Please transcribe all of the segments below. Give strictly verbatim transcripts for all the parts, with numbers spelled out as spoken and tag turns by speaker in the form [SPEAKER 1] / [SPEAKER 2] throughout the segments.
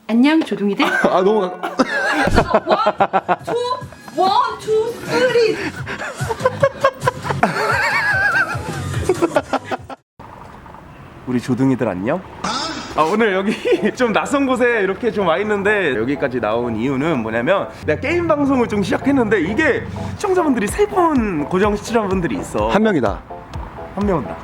[SPEAKER 1] 안녕 조둥이들.
[SPEAKER 2] 아 너무 가...
[SPEAKER 1] 원, 투, 원, 투, 쓰리.
[SPEAKER 3] 우리 조둥이들 안녕? 아 오늘 여기 좀 낯선 곳에 이렇게 좀 와 있는데 여기까지 나온 이유는 뭐냐면 내가 게임 방송을 좀 시작했는데 이게 시청자분들이 세 분 고정 시청자분들이 있어.
[SPEAKER 2] 한 명이다.
[SPEAKER 3] 한 명은 나.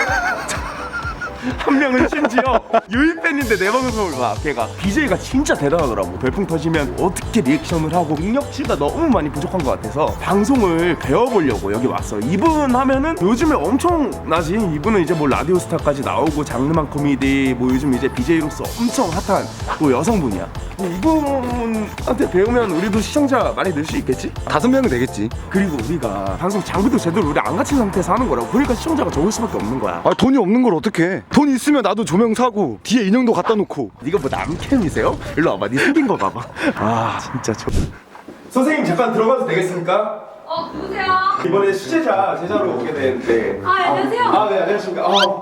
[SPEAKER 3] 한 명은 심지어 유입 팬인데 내 방송을 봐. 걔가 비제이가 진짜 대단하더라고. 별풍 터지면 어떻게 리액션을 하고 능력치가 너무 많이 부족한 것 같아서 방송을 배워보려고 여기 왔어. 이분 하면은 요즘에 엄청나지. 이분은 이제 뭐 라디오스타까지 나오고 장르만 코미디 뭐 요즘 이제 비제이로서 엄청 핫한 뭐 여성분이야. 이분한테 배우면 우리도 시청자 많이 늘 수 있겠지?
[SPEAKER 2] 다섯 명은 되겠지.
[SPEAKER 3] 그리고 우리가 방송 장비도 제대로 우리 안 갖춘 상태에서 하는 거라고. 그러니까 시청자가 적을 수밖에 없는 거야.
[SPEAKER 2] 아 돈이 없는 걸 어떡해. 돈 있으면 나도 조명 사고 뒤에 인형도 갖다 놓고.
[SPEAKER 3] 네가 뭐 남캠이세요? 일로 와봐. 네 생긴 거 봐봐. 아 진짜 저... 선생님 잠깐 들어가도 되겠습니까?
[SPEAKER 1] 어, 누구세요?
[SPEAKER 3] 이번에 수제자 제자로 오게 되는데.
[SPEAKER 1] 아, 안녕하세요.
[SPEAKER 3] 아, 네 안녕하십니까. 어.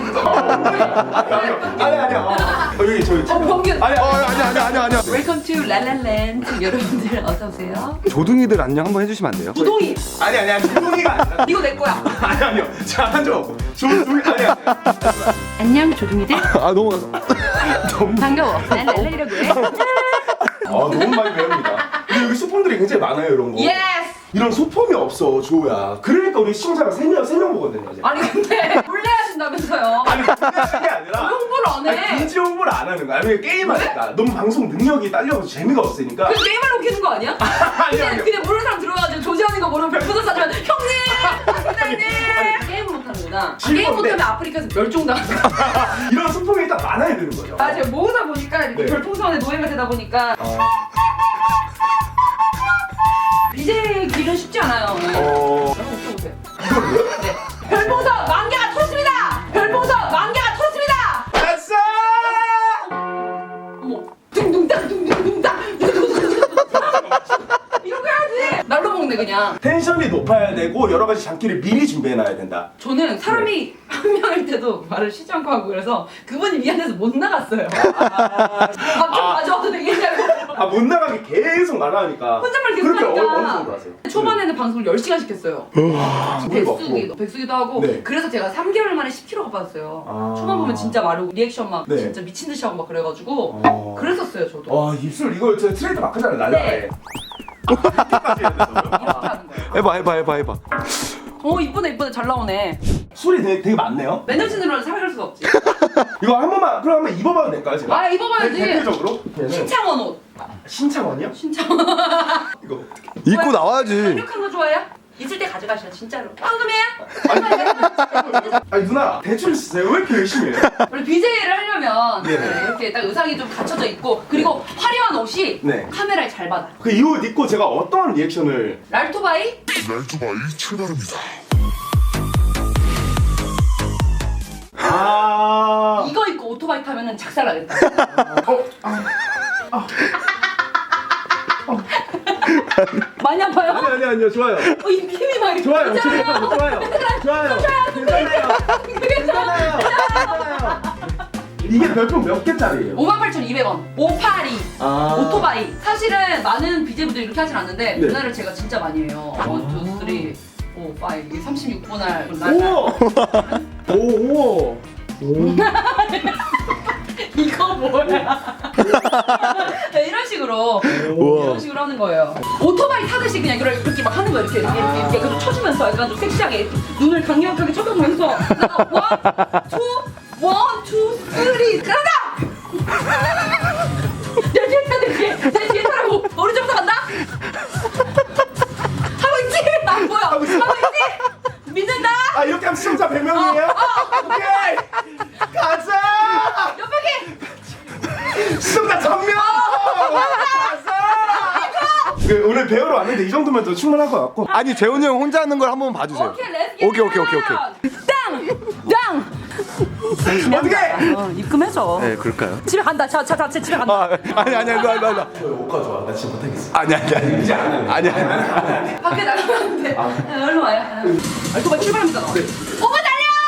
[SPEAKER 3] 아니 아니 어. 여기 저기.
[SPEAKER 1] 어, 범균.
[SPEAKER 3] 아니
[SPEAKER 2] 어 아니 아니 아니 아니.
[SPEAKER 1] 웰컴 투 랄랄랜드. 여러분들 어서 오세요.
[SPEAKER 2] 조둥이들 안녕 한번 해주시면 안 돼요?
[SPEAKER 1] 조동이.
[SPEAKER 3] 아니 아니 아니 조동이가 아니라.
[SPEAKER 1] 이거 내 거야.
[SPEAKER 3] 아니 아니요. 자 앉아. 조동이 아니 아니.
[SPEAKER 1] 안녕 조둥이들.
[SPEAKER 2] 아 너무
[SPEAKER 1] 반가워. 난 랄랄이라고 해.
[SPEAKER 3] 아 너무 많이 배웁니다. 근데 여기 소품들이 굉장히 많아요 이런 거.
[SPEAKER 1] 예스.
[SPEAKER 3] 이런 소품이 없어 조야. 그러니까 우리 시청자가 세 명 세 명 보거든요 이제.
[SPEAKER 1] 아니 근데 몰래 하신다면서요.
[SPEAKER 3] 아니 그게 아니라
[SPEAKER 1] 왜 홍보를 안 해?
[SPEAKER 3] 아니, 굳이 홍보를 안 하는 거야. 아니 게임하니까 너무 방송 능력이 딸려서 재미가 없으니까.
[SPEAKER 1] 그 게임을 웃기는 거 아니야?
[SPEAKER 3] 아니,
[SPEAKER 1] 그냥
[SPEAKER 3] 아니.
[SPEAKER 1] 그냥 모르는 사람 들어가지고 조지하는 거 모르면 별풍선 쏴주면 형님, 선생님. 게임을 못하는구나. 아,
[SPEAKER 3] 질
[SPEAKER 1] 게임
[SPEAKER 3] 건데.
[SPEAKER 1] 못하면 아프리카에서 멸종당하는 거.
[SPEAKER 3] 이런 소품이 일단 많아야 되는 거죠.
[SPEAKER 1] 아 제가 모으다 보니까 이렇게
[SPEAKER 3] 네.
[SPEAKER 1] 별풍선에 노예가 되다 보니까 이제 길은 쉽지 않아요.
[SPEAKER 3] 어.
[SPEAKER 1] 여러분 웃겨보세요.
[SPEAKER 3] 이걸로요?
[SPEAKER 1] 네. 별풍선 만 개가 터졌습니다. 별풍선 만 개가 터졌습니다.
[SPEAKER 3] 됐어!
[SPEAKER 1] 어머, 둥둥땅 둥둥둥땅 이렇게 해야지. 날로 먹네 그냥.
[SPEAKER 3] 텐션이 높아야 되고 여러 가지 장기를 미리 준비해놔야 된다.
[SPEAKER 1] 저는 사람이 한 명일 때도 말을 쉬지 않고 하고 그래서 그분이 미안해서 못 나갔어요. 밥 좀 가져와도 되겠냐고.
[SPEAKER 3] 아 못 나가게 계속 말하니까.
[SPEAKER 1] 혼잣말 계속
[SPEAKER 3] 그렇게
[SPEAKER 1] 하니까.
[SPEAKER 3] 어느 정도 하세요?
[SPEAKER 1] 초반에는 방송을 열 시간씩 했어요. 백수기, 백수기도 하고
[SPEAKER 3] 네.
[SPEAKER 1] 그래서 제가 삼 개월 만에 십 킬로그램가 빠졌어요.
[SPEAKER 3] 아.
[SPEAKER 1] 초반 보면 진짜 마르고 리액션 막
[SPEAKER 3] 네.
[SPEAKER 1] 진짜 미친 듯이 하고 막 그래가지고
[SPEAKER 3] 어.
[SPEAKER 1] 그랬었어요 저도.
[SPEAKER 3] 와 입술 이거 저 트레이드 마크잖아요 날라에.
[SPEAKER 1] 네.
[SPEAKER 3] 이렇게까지 해야 된다고요?
[SPEAKER 1] 이렇게 하는 거예요.
[SPEAKER 2] 해봐 해봐 해봐 해봐.
[SPEAKER 1] 어 이쁘네 이쁘네 잘 나오네.
[SPEAKER 3] 술이 되게, 되게 많네요.
[SPEAKER 1] 매너진으로는 살갈 수가 없지.
[SPEAKER 3] 이거 한 번만 그럼 한번 입어봐도 될까요 제가?
[SPEAKER 1] 아 입어봐야지.
[SPEAKER 3] 대, 대표적으로? 얘는
[SPEAKER 1] 신창원 옷.
[SPEAKER 3] 신창원이요?
[SPEAKER 1] 신창원.
[SPEAKER 3] 이거
[SPEAKER 2] 입고 나와야지.
[SPEAKER 1] 강력한 거 좋아해요? 있을 때 가져가셔 진짜로. 황금이에요?
[SPEAKER 3] 아니 누나 대출 쓰세요? 왜 이렇게 열심히 해요?
[SPEAKER 1] 원래 비제이를 하려면
[SPEAKER 3] 네.
[SPEAKER 1] 네, 이렇게 딱 의상이 좀 갖춰져 있고 그리고 화려한 옷이
[SPEAKER 3] 네.
[SPEAKER 1] 카메라에 잘 받아.
[SPEAKER 3] 그 이 옷 입고 제가 어떠한 리액션을
[SPEAKER 1] 랄토바이?
[SPEAKER 3] 아
[SPEAKER 1] 이거 입고 오토바이 타면은 작살나겠다.
[SPEAKER 3] 어? 아,
[SPEAKER 1] 많이 아파요?
[SPEAKER 3] 아니 아니 아니요 좋아요
[SPEAKER 1] 어, 이 힘이 막 이렇게
[SPEAKER 3] 좋아요
[SPEAKER 1] 있잖아요.
[SPEAKER 3] 좋아요 좋아요 좋아요 괜찮아요 괜찮아요 괜찮아요 이게 별풍 몇 개짜리예요?
[SPEAKER 1] 오만 팔천이백 원. 오팔이.
[SPEAKER 3] 아.
[SPEAKER 1] 오토바이. 사실은 많은 비제이분들이 이렇게 하진 않는데
[SPEAKER 3] 네.
[SPEAKER 1] 그날을 제가 진짜 많이 해요. 원, 투, 쓰리, 오, 파이브. 이게 삼십육 분 날. 날.
[SPEAKER 3] 오오오
[SPEAKER 1] 이거 뭐야? 네, 이런 식으로
[SPEAKER 2] 우와.
[SPEAKER 1] 이런 식으로 하는 거예요. 오토바이 타듯이 그냥 이렇게, 이렇게 막 하는 거예요. 이렇게 이렇게 이렇게, 이렇게. 그리고 쳐주면서 약간 좀 섹시하게 눈을 강력하게 쳐다보면서 원, 투, 원, 투, 쓰리, 가자! 내 뒤에 타야 돼, 뒤에. 내 뒤에 타라고. 오른쪽부터 간다. 하고 있지? 안 보여. 하고 있지? 믿는다.
[SPEAKER 3] 아 이렇게 하면 시청자 백 명이에요? 오케이 가자
[SPEAKER 1] 몇 바퀴?
[SPEAKER 3] 시청자 천 명 가자 그, 오늘 배우러 왔는데 이 정도면 더 충분할 것 같고
[SPEAKER 2] 아니 재훈이 형 혼자 하는 걸 한번 봐주세요.
[SPEAKER 1] 오케이, 렛츠
[SPEAKER 2] 오케이 오케이 오케이 오케이.
[SPEAKER 1] 땅! 땅!
[SPEAKER 3] 어떻게
[SPEAKER 1] 어, 입금해줘.
[SPEAKER 2] 네 그럴까요?
[SPEAKER 1] 집에 간다. 자, 자, 자, 집에 간다.
[SPEAKER 2] 아 아니 아니 아니 아니 아니
[SPEAKER 3] 옷 가져와 나 진짜 못하겠어
[SPEAKER 2] 아니 아니 아니
[SPEAKER 3] 이제 안 해.
[SPEAKER 2] 아니 아니.
[SPEAKER 1] 밖에 나가면 안 돼. 아. 얼른 와요. 알토바이 출발합니다. 오빠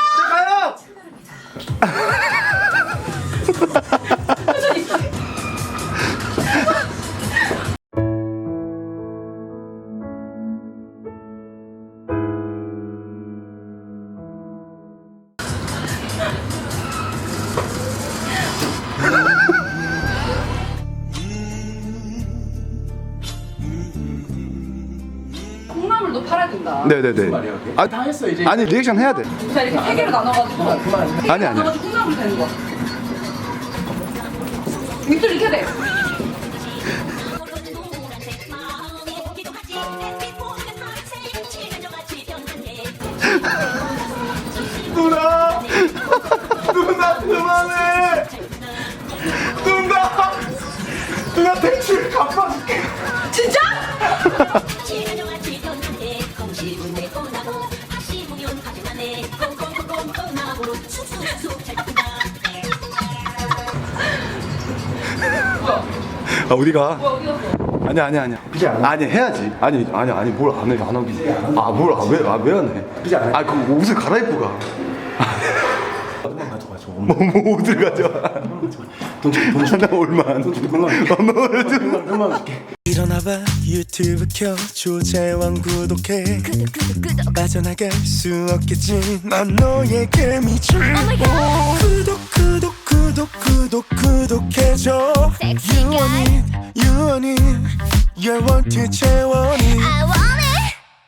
[SPEAKER 1] 달려!
[SPEAKER 3] 가요
[SPEAKER 1] 천천히. 된다.
[SPEAKER 2] 네네네. 아,
[SPEAKER 3] 다 했어 이제.
[SPEAKER 2] 아니 리액션 해야 돼.
[SPEAKER 1] 자 이렇게 세 개로 나눠가지고 세 개로
[SPEAKER 2] 아니, 아니.
[SPEAKER 1] 나눠가지고 콩나물 되는 거야. 밑줄 이렇게 돼.
[SPEAKER 3] 누나 누나 그만해. 누나 누나 대출 갚아줄게.
[SPEAKER 1] 진짜? 뭐야?
[SPEAKER 2] 아 우리가
[SPEAKER 1] 뭐야 어디 갔어?
[SPEAKER 2] 아니 아니 아니.
[SPEAKER 3] 그지 않아?
[SPEAKER 2] 아니 해야지. 아니 아니 아니 뭘 안 해? 안 하기. 아뭘아왜아왜 안 해?
[SPEAKER 3] 그지 않아?
[SPEAKER 2] 아 그 옷을 갈아입고 가.
[SPEAKER 3] 돈만 가져가 줘.
[SPEAKER 2] 뭐, 뭐 옷을 가져와.
[SPEAKER 3] 돈 줘, 돈 줘.
[SPEAKER 2] 하나 얼마?
[SPEAKER 3] 돈 줘, 백만 원.
[SPEAKER 2] 얼마 좀.
[SPEAKER 3] 백만 백만 원 줄게.
[SPEAKER 4] 일어나봐 유튜브 켜 조재왕 구독해 빠져나갈 수 없겠지 난 너에게 미칠 구독 구독 구독 구독 구독해줘 유원이 유원이 열원트 채원이